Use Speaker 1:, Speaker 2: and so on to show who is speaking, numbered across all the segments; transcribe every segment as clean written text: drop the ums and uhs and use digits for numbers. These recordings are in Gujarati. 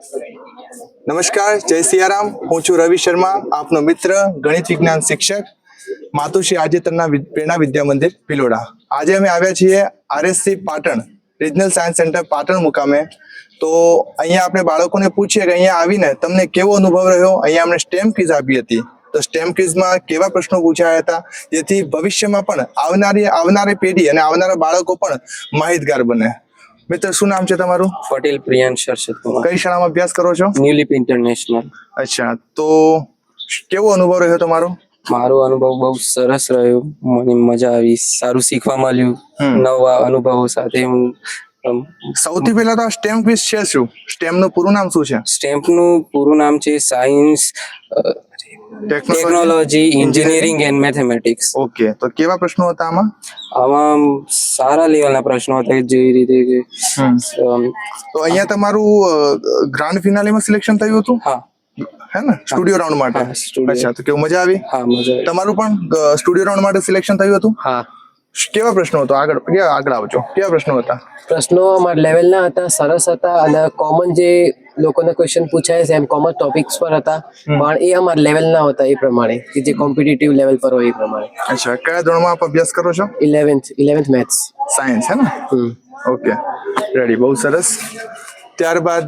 Speaker 1: નમસ્કાર, જય સિયારામ. હું છું રવિ શર્મા, આપનો મિત્ર, ગણિત વિજ્ઞાન શિક્ષક, માતુશ્રી આજેતરના પ્રેરણા વિદ્યા મંદિર ભિલોડા. આજે અમે આવ્યા છીએ RSC Patan regional science centre Patan મુકામે. તો અહીંયા આપણે બાળકોને પૂછીએ કે અહીંયા આવીને તમને કેવો અનુભવ રહ્યો. અહીંયા અમને સ્ટેમ ક્વિઝ આપી હતી. તો સ્ટેમ ક્વિઝમાં કેવા પ્રશ્નો પૂછાયા હતા જેથી ભવિષ્યમાં પણ આવનારી પેઢી અને આવનારા બાળકો પણ માહિતગાર બને. મિત્ર, શું નામ છે તમારું?
Speaker 2: પટેલ પ્રિયાંશ હર્ષદ કુમાર.
Speaker 1: કઈ શાળામાં અભ્યાસ કરો છો?
Speaker 2: New Leap International.
Speaker 1: અચ્છા, તો કેવો અનુભવ રહ્યો તમારો?
Speaker 2: મારો અનુભવ બહુ સરસ રહ્યો. મને મજા આવી, સારું શીખવા મળ્યું. નવા અનુભવો સાથે હું
Speaker 1: સૌથી પહેલા તો સ્ટેમ ક્વિઝ છે શું? સ્ટેમ નું પૂરું નામ શું છે?
Speaker 2: સ્ટેમ્પનું પૂરું નામ છે science, technology, engineering and mathematics.
Speaker 1: Okay, તો કેવા પ્રશ્નો હતા આમાં?
Speaker 2: આમાં સારા લેવલના પ્રશ્નો હતા, જેવી રીતે કે
Speaker 1: તો અહીંયા તમારું ગ્રાન્ડ ફિનાલેમાં સિલેક્શન થયું હતું?
Speaker 2: હા,
Speaker 1: હે ને, સ્ટુડિયો રાઉન્ડ માટે? અચ્છા, તો કેવું, મજા આવી?
Speaker 2: હા, મજા આવી.
Speaker 1: તમારું પણ સ્ટુડિયો રાઉન્ડ માટે સિલેક્શન થયું હતું?
Speaker 2: હા.
Speaker 1: કેવા પ્રશ્નો હતો? આગળ આવજો. કેવા પ્રશ્નો હતા?
Speaker 3: પ્રશ્નો અમારા લેવલના હતા, સરસ હતા અને કોમન જે લોકોને ક્વેશ્ચન પૂછાય છે એમ કોમન ટોપિક્સ પર હતા, પણ એ અમારા લેવલના હતા એ પ્રમાણે કે જે કોમ્પિટિટિવ લેવલ પર હોય એ પ્રમાણે.
Speaker 1: અચ્છા, કયા ધોરણમાં આપ અભ્યાસ કરો છો?
Speaker 3: 11th મેથ્સ
Speaker 1: સાયન્સ, है ना? ओके, रेडी, बहुत सरस. ત્યારબાદ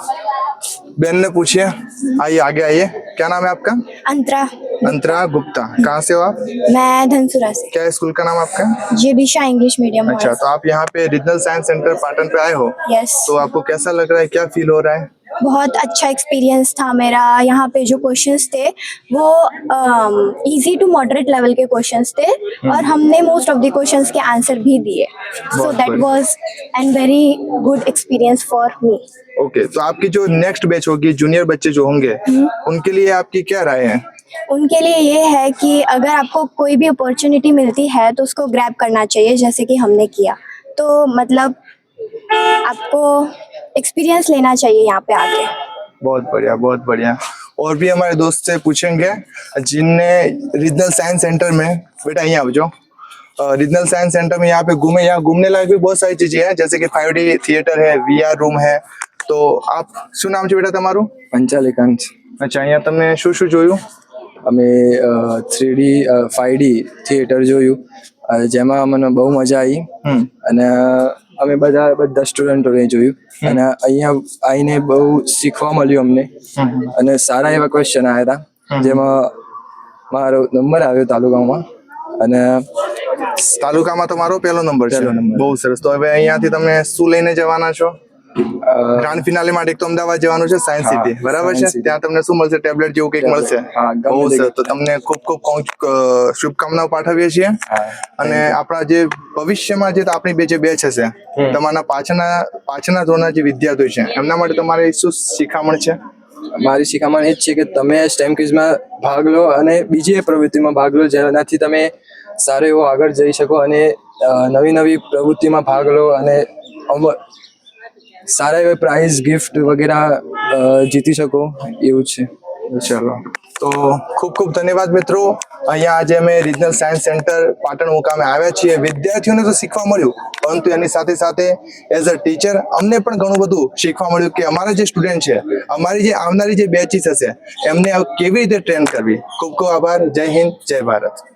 Speaker 1: बहन ने पूछिए, आइए आगे आइए. क्या नाम है आपका?
Speaker 4: अंतरा.
Speaker 1: अंतरा गुप्ता. कहाँ से हो आप?
Speaker 4: मैं धनसुरा से.
Speaker 1: क्या स्कूल का नाम आपका?
Speaker 4: जे बिशा इंग्लिश मीडियम.
Speaker 1: अच्छा, तो आप यहाँ पे रीजनल साइंस सेंटर पाटन पे आए हो.
Speaker 4: यस.
Speaker 1: तो आपको कैसा लग रहा है, क्या फील हो रहा है?
Speaker 4: बहुत अच्छा एक्सपीरियंस था मेरा. यहाँ पे जो क्वेश्चंस थे वो इजी टू मॉडरेट लेवल के क्वेश्चंस थे और हमने मोस्ट ऑफ द क्वेश्चंस के आंसर भी दिए. So that was an very good experience for me.
Speaker 1: Okay, तो आपकी जो नेक्स्ट बैच होगी, जूनियर बच्चे जो होंगे, उनके लिए आपकी क्या राय है?
Speaker 4: उनके लिए ये है कि अगर आपको कोई भी अपॉर्चुनिटी मिलती है तो उसको ग्रैब करना चाहिए, जैसे कि हमने किया. तो मतलब आपको एक्सपीरियंस लेना चाहिए यहाँ पे आके.
Speaker 1: बहुत बढ़िया, बहुत बढ़िया. और भी हमारे दोस्त से पूछेंगे जिनने रीजनल साइंस सेंटर में, बेटा यहाँ आवजो, रीजनल साइंस सेंटर में यहाँ पे घूमे. यहाँ घूमने लायक भी बहुत सारी चीजें हैं, जैसे कि 5D थिएटर है, VR रूम है. તો આપ શું નામ છે બેટા તમારું?
Speaker 2: પંચાલિકાંત.
Speaker 1: અચ્છા, અહીંયા તમે શું જોયું?
Speaker 2: અમે 3D 5D થિયેટર જોયું, જેમાં મને બહુ મજા આવી અને અમે બધા સ્ટુડન્ટોને જોયું અને અહીંયા આવીને બહુ શીખવા મળ્યું અમને અને સારા એવા ક્વેશ્ચન આવ્યા હતા, જેમાં મારો નંબર આવ્યો તાલુકામાં અને
Speaker 1: તાલુકામાં તમારો પહેલો નંબર છે. બહુ સરસ. તો હવે અહીંયાથી તમે શું લઈને જવાના છો? ગ્રાન્ડ ફિનાલે માટે એક તો અમદાવાદ જવાનું છે, સાયન્સ સિટી, બરાબર છે? ત્યાં તમને શું મળશે? ટેબ્લેટ જેવું કંઈક મળશે. બહુ સરસ. તો તમને ખૂબ શુભકામનાઓ પાઠવીએ છીએ. અને આપણા જે ભવિષ્યમાં જે આપણી જે બેચ હશે, તમારા પાછળના ધોરણના જે વિદ્યાર્થીઓ છે, એમના માટે તમારે શું શિખામણ છે?
Speaker 2: મારી શિખામણ એ જ છે કે તમે સ્ટેમ ક્વિઝમાં ભાગ લો અને બીજી પ્રવૃત્તિમાં ભાગ લો, જેનાથી તમે સારો એવો આગળ જઈ શકો અને નવી પ્રવૃત્તિમાં ભાગ લો અને સારા એવા પ્રાઇઝ, ગિફ્ટ વગેરે જીતી શકો, એવું છે.
Speaker 1: ચલો, તો ખૂબ ધન્યવાદ મિત્રો. અહીંયા આજે અમે રિજનલ સાયન્સ સેન્ટર પાટણ મુકામે આવ્યા છીએ. વિદ્યાર્થીઓને તો શીખવા મળ્યું, પરંતુ એની સાથે સાથે એઝ અ ટીચર અમને પણ ઘણું બધું શીખવા મળ્યું કે અમારા જે સ્ટુડન્ટ છે, અમારી જે આવનારી જે બેચીસ હશે, એમને કેવી રીતે ટ્રેન કરવી. ખૂબ આભાર. જય હિન્દ, જય ભારત.